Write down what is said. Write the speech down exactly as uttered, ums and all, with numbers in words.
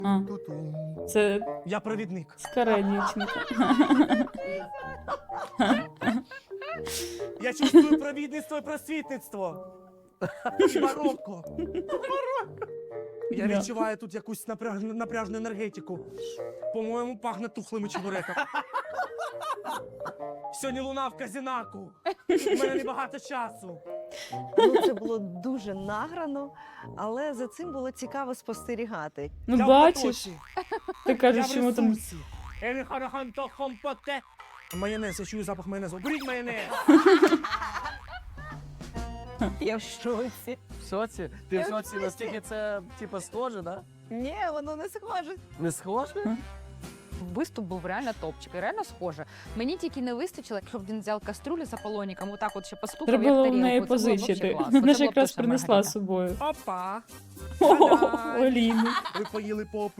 А, це Я провідник. стара дівчинка. Я чувствую провідництво і просвітництво. Марокко. Марокко. Я Да. відчуваю тут якусь напряж... напряжну енергетику. По-моєму, пахне тухлими чебуреками. Сьогодні луна в казінаку. У мене небагато часу. Ну, це було дуже награно, але за цим було цікаво спостерігати. Ну Я в бачиш, потоці. ти Я кажеш, в чому там. ресурсі. Еліхараханто хомпоте. Майонез, я чую запах майонезу. Беріть майонез. Я в шоці. В соці? Ти в соці настільки це, типу, схоже, да? Ні, воно не схоже. Не схоже? Виступ був реально топчик, і реально схоже. Мені тільки не вистачило, щоб він взяв каструлю за полоніком, отак от ще постукав, Треба як було в тарілку. неї Це було вообще позичити. класно. Вона Це ж було якраз точно принесла мега з собою. Опа. О, Та-дам. Оліни. Ви поїли попу.